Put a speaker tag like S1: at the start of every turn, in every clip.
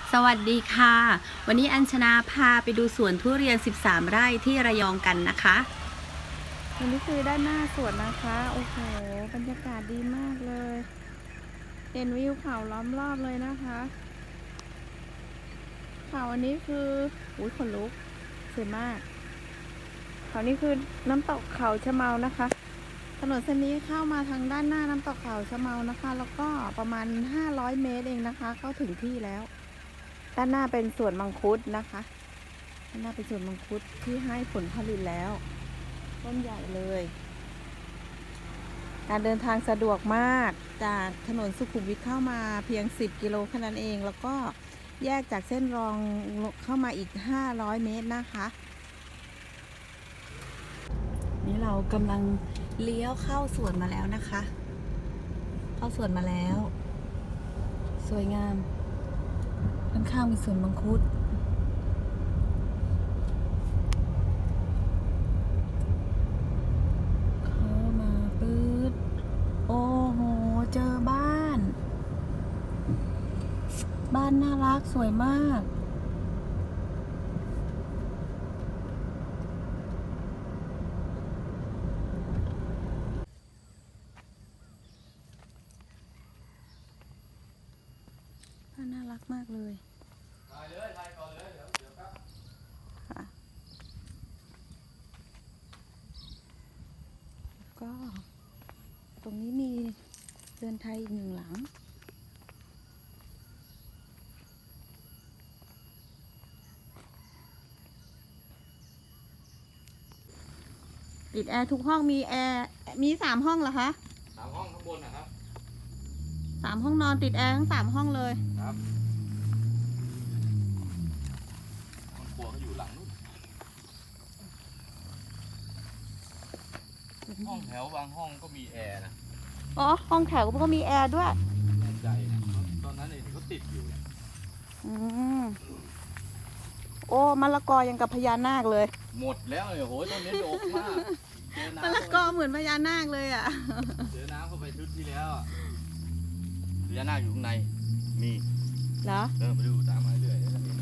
S1: สวัสดีค่ะวันนี้อัญชนาพาไปดูสวนทุเรียน13ไร่ที่ระยองกันนะคะวันนี้คือด้านหน้าสวนนะคะโอ้โหบรรยากาศดีมากเลยเห็นวิวเขาล้อมรอบเลยนะคะเขาอันนี้คืออุ้ยขนลุกสวยมากเขานี่คือน้ำตกเขาชะเมานะคะถนนเส้นนี้เข้ามาทางด้านหน้าน้ำตกเขาชะเมานะคะแล้วก็ประมาณ500 เมตรเองนะคะเข้าถึงที่แล้วด้านหน้าเป็นสวนมังคุดนะคะด้านหน้าเป็นสวนมังคุดที่ให้ผลผลิตแล้วต้นใหญ่เลยการเดินทางสะดวกมากจากถนนสุขุมวิทเข้ามาเพียง10 กิโลแค่นั้นเองแล้วก็แยกจากเส้นรองเข้ามาอีก500 เมตรนะคะนี่เรากำลังเลี้ยวเข้าสวนมาแล้วนะคะเข้าสวนมาแล้วสวยงามข้างๆมีสวนมังคุดเข้ามาปื๊ดโอ้โหเจอบ้านน่ารักสวยมากบ้านน่ารักมากเลยถ่ายเลยถ่ายก่อนเลยเดี๋ยวครับค่ะก็ตรงนี้มีเรือนไทยอีก1 หลังติดแอร์ทุกห้องมีแอร์มี3 ห้องเหรอคะ
S2: 3 ห้องข้างบนนะครับ
S1: 3 ห้องนอนติดแอร์ทั้ง3 ห้องเลย
S2: ครับห้องครัวเขาอยู่หลังนู้นห้องแถวบางห้องก็มีแอร์นะ
S1: อ๋อห้องแถวก็มีแอร์ด้วย
S2: แน่ใจนะตอนนั้นเองที่เขาติดอยู่เนี่ย
S1: โอ้มะละกอยังกับพญานาคเลย
S2: หมดแล้วเลยโหต้นนี้โดกมาก
S1: มะละกอเหมือนพญานาคเลยอ่ะ
S2: เจอน้ำเข้าไปชุดที่แล้วพญานาคอยู่ข้างในมี
S1: เหรอ
S2: ไปดูตามมาเรื่อย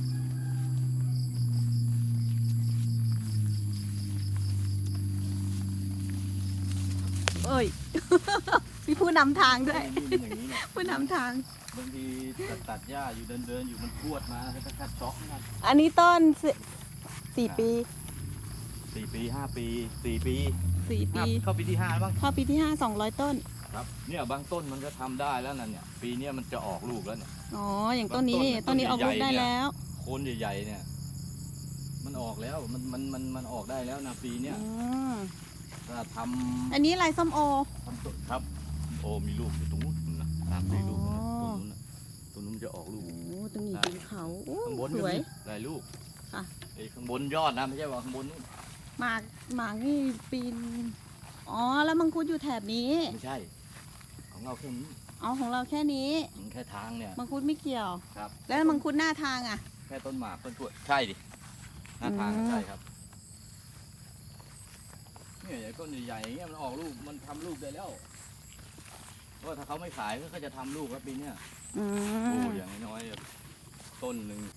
S1: เอ้ยมีผู้นำทางด้วยผู้นำทาง
S2: บางทีตัดหญ้าอยู่เดินอยู่มันพรวดมาแล้วก็คัดช็อกนะ
S1: อันนี้ต้น4 ปี
S2: 4 ปี5 ปี4 ปีเข้าปีที่5บ้าง
S1: เข้าปีที่5 200 ต้น
S2: ครับเนี่ยบางต้นมันก็ทำได้แล้วนั่นเนี่ยปีนี้มันจะออกลูกแล้วเนี่ย
S1: อ๋ออย่างต้นนี้ออกลูกได้แล้ว
S2: โคนใหญ่ๆเนี่ยมันออกแล้วมันออกได้แล้วนะปีเนี้ยถ้าทำ
S1: อันนี้อะไรส้มโอ
S2: ครับโอมีลูกอยู่ตรงนู้นนะ3-4 ลูกนะตรงนู้นจะออกลูก
S1: โอ้ตรงนี้เป็นเขา
S2: ข้างบน
S1: สวย
S2: หลายลูก
S1: ค่ะ
S2: ไอ้ข้างบนยอดนะไม่ใช่ว่าข้างบนนู้น
S1: หมากนี่ปีนอ๋อแล้วมังคุดอยู่แถบนี้
S2: ไม่ใช่ของเราแค่นี้
S1: อ๋อของเราแค่นี้
S2: แค่ทางเนี่ย
S1: มังคุดไม่เกี่ยว
S2: ครับ
S1: แล้วมังคุดหน้าทางอ่ะ
S2: แค่ต้นหมากต้นกล้วยใช่ดิหน้าทางใช่ครับเนี่ยต้นใหญ่ๆอย่างเงี้ยมันออกลูกมันทำลูกได้แล้วเพราะถ้าเขาไม่ขายเขาจะทำลูกแล้วปีเนี้ยโอ้อย่างน้อยต้นหนึ่ง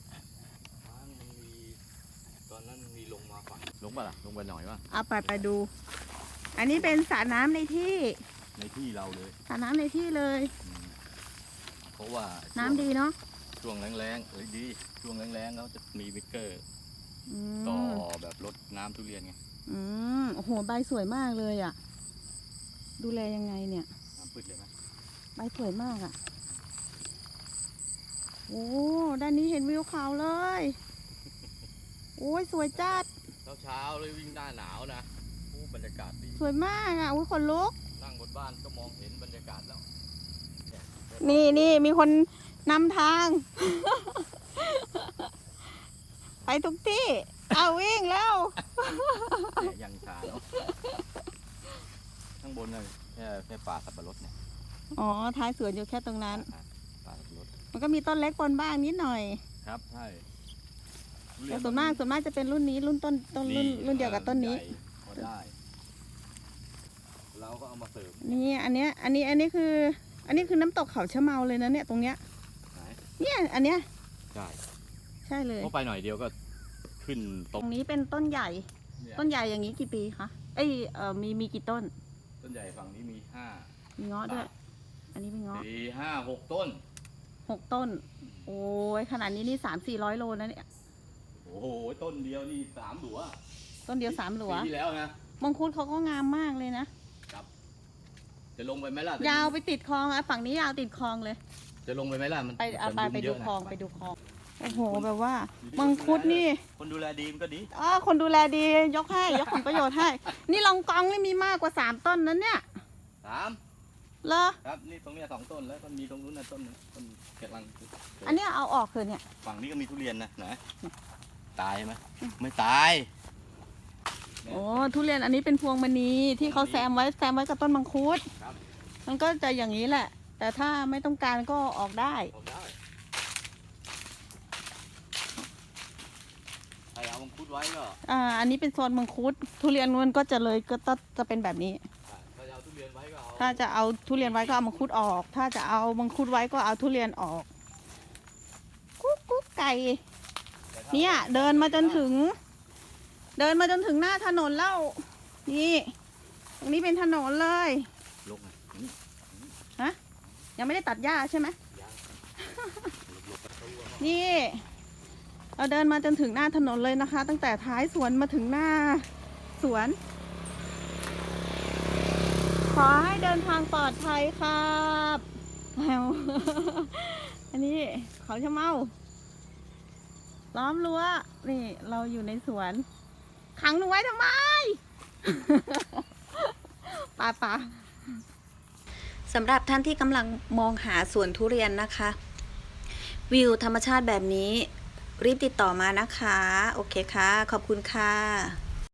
S2: ตอนนั้นมีลงมาฝั่งลงป่ะล่ะลงไปหน่อยป่ะ
S1: เอาไปดูอันนี้เป็นสระน้ำในที่
S2: เราเลย
S1: สระน้ำในที่เลย
S2: เพราะว่า
S1: น้ำดีเนาะ
S2: ช่วงแรงๆดีช่วงแรงๆเขาจะมีวิกเกอร์ต่อแบบรดน้ำทุเรียนไง
S1: โอ้โหใบสวยมากเลยอ่ะดูแลยังไงเนี่ย
S2: น้ำพืชเลยไหม
S1: ใบสวยมากอ่ะโอ้ด้านนี้เห็นวิวเขาเลยโอ้ยสวยจัด
S2: เช้าเลยวิ่งหน้าหนาวนะบรรยากาศดี
S1: สวยมากอ่ะอุ้ยขนลุก
S2: นั่งบนบ้านก็มองเห็นบรรยากาศแล้ว
S1: นี่มีคนนำทาง ไปทุกที่เอาวิ่งแล้ว
S2: ยังช้าเนาะข้างบนเลยแค่ป่าสับปะรดเนี่ย
S1: อ๋อท้ายสวนอยู่แค่ตรงนั้น
S2: ป่าสับปะรด
S1: มันก็มีต้นเล็กปนบ้างนิดหน่อย
S2: ครับใช่
S1: แต่ส่วนมากจะเป็นรุ่นนี้รุ่นรุ่นเดียวกับต้นนี้
S2: ได้เราก็เอามาเสริม
S1: นี่อันนี้คือน้ำตกเขาชะเมาเลยนะเนี่ยตรงเนี้ยเนี่ยอันเนี้ย
S2: ใช่
S1: ใช่เลย
S2: เพราะไปหน่อยเดียวก็ขึ้นต
S1: ต
S2: ก
S1: รงนี้เป็นต้นใหญ่
S2: เนี่ย
S1: ต้นใหญ่อย่างนี้กี่ปีคะ เอ้ยมีกี่ต้น
S2: ต้นใหญ่ฝั่งนี้มีห้า
S1: มีเงาะด้วย อันนี้เป็นเงาะ
S2: สี่ห้าหกต้น
S1: 6 ต้น โอ้ยขนาดนี้นี่300-400 โลนะเนี่ย
S2: โอ้โหต้นเดียวนี่สามหลัว
S1: ต้นเดียว3 หลัว
S2: ปีที่แล้วนะ
S1: มังคุดเขาก็งามมากเลยนะ
S2: จะลงไปไหมล่ะ
S1: ยาวไปติดคลองอ่ะฝั่งนี้ยาวติดคลองเลย
S2: จะลงไปไหมล่ะมัน
S1: ไป
S2: มัน
S1: ไป
S2: ยุ่
S1: ดู
S2: เยะนะ
S1: คลองไปดูคลอง โอ้โหแบบว่า มังคุดนี่
S2: คนดูแลดีมันก็ดี
S1: คนดูแลดียกให้ยกผลประโยชน์ให้ นี่ลองกองนี่มีมากกว่า3 ต้นนั้นเนี่ย
S2: สาม
S1: เหรอ
S2: ครับนี่ตรงเนี้ย2 ต้นแล้วก็มีตรงนู้นนะต้นหนึ่งต้นกำลัง
S1: อันเนี้ยเอาออกเถอะเนี่ย
S2: ฝั่งนี้ก็มีทุเรียนนะไหนตายไหมไม่ตาย
S1: โอ้ทุเรียนอันนี้เป็นพวงมณีที่เขาแซมไว้กับต้นมังคุด
S2: ครับ
S1: มันก็จะอย่างนี้แหละ แต่ถ้าไม่ต้องการก็ออกได้
S2: ออกได้ใครเอามังคุดไว้ก็
S1: อันนี้เป็นโซนมังคุด ทุเรียนมันก็จะเลยก็จะเป็นแบบนี้
S2: ถ้าจะเอาทุเรียนไว้ก็เอา
S1: ถ้าจะเอาทุเรียนไว้ก็เอามังคุดออก ถ้าจะเอามังคุดไว้ก็เอาทุเรียนออกกุ๊กกุ๊กไก่
S2: แต่ถ้า
S1: เนี่ยเดินมาจนถึงหน้าถนนแล้ว นี่ตรงนี้เป็นถนนเลย
S2: ลงอ่ะนี่
S1: ยังไม่ได้ตัดหญ้าใช่ไหม
S2: ยังหลบประตูอะ
S1: นี่ เราเดินมาจนถึงหน้าถนนเลยนะคะ ตั้งแต่ท้ายสวนมาถึงหน้าสวน ขอให้เดินทางปลอดภัยครับแมว อันนี้เขาชะเมาล้อมรั้วนี่เราอยู่ในสวน ขังหนูไว้ทำไม ป่าสำหรับท่านที่กำลังมองหาสวนทุเรียนนะคะ วิวธรรมชาติแบบนี้ รีบติดต่อมานะคะ โอเคค่ะ ขอบคุณค่ะ